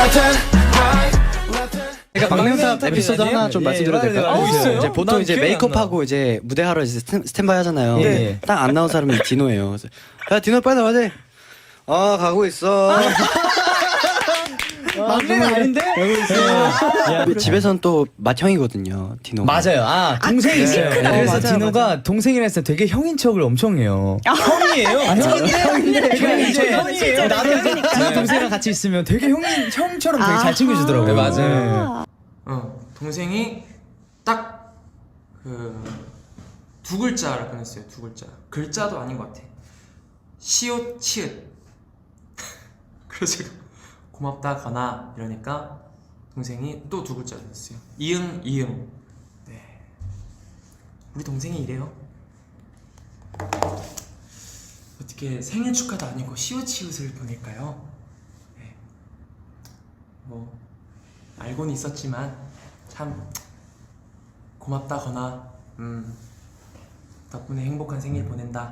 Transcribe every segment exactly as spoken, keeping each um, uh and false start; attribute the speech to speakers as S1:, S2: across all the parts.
S1: 제가 막내탑 에피소드 하나 좀
S2: 예,
S1: 말씀드려도 될까요?
S2: 어, 있어요?
S1: 이제 보통
S2: 난
S1: 이제
S2: 기억이 안
S1: 메이크업하고 이제 무대하러 이제 스탠, 스탠바이 하잖아요.
S2: 예.
S1: 딱 안 나온 사람이 디노예요. 그래서 야 디노 빨리 나와야 돼. 아 가고 있어.
S2: 막내는 아닌데?
S1: 집에서는 또 맏형이거든요. 디노.
S2: 맞아요. 아 동생이 있어요.
S3: 네.
S2: 그래서
S3: 맞아요,
S2: 디노가
S3: 맞아요.
S2: 동생이라 했을 때 되게 형인 척을 엄청 해요. 형이에요? 아, 형인데 형인데 그냥 이제
S3: 실제로
S2: 나도
S3: 형이니까.
S2: 나도 동생이랑 같이 있으면 되게 형인 형처럼 되게 잘
S3: 아하.
S2: 챙겨주더라고요.
S4: 네, 맞아요.
S3: 아.
S4: 어, 동생이 딱 그 두 글자를 보냈어요. 두 글자. 글자도 아닌 것 같아. 시옷 치읓. 그래서 제가 고맙다 거나 이러니까 동생이 또 두 글자 보냈어요. 이응 이응. 네. 우리 동생이 이래요. 어떻게 생일 축하도 아니고 시옷 치읓을 보낼까요? 네. 뭐 알고는 있었지만 참 고맙다 거나 음 덕분에 행복한 생일 보낸다.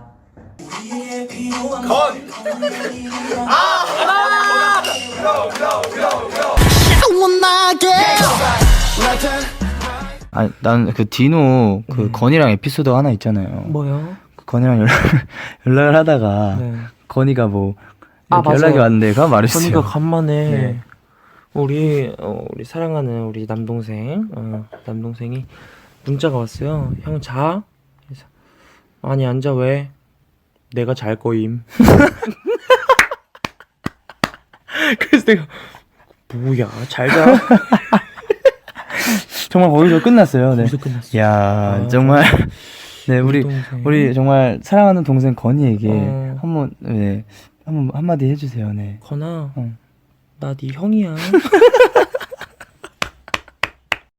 S5: 아니 난 그 디노 그 건이랑 에피소드 하나 있잖아요.
S6: 뭐요?
S5: 그 건이랑 연락 연락을 하다가
S6: 네.
S5: 건이가 뭐
S6: 아,
S5: 이렇게
S6: 맞아요.
S5: 연락이 왔는데 그거 말했어요.
S6: 건이가 간만에
S5: 네.
S6: 우리 어, 우리 사랑하는 우리 남동생 어, 남동생이 문자가 왔어요. 형 자? 그래서 아니 안 자 왜? 내가 잘 거임. 그래서 내가 뭐야 잘 자?
S5: 정말 거기서 끝났어요. 네.
S6: 거기서 끝났어.
S5: 야
S6: 아,
S5: 정말 네 우리
S6: 동생.
S5: 우리 정말 사랑하는 동생 건이에게
S6: 어.
S5: 한번 네 한번 한마디 해주세요. 네.
S6: 건아
S5: 응.
S6: 나 네 형이야.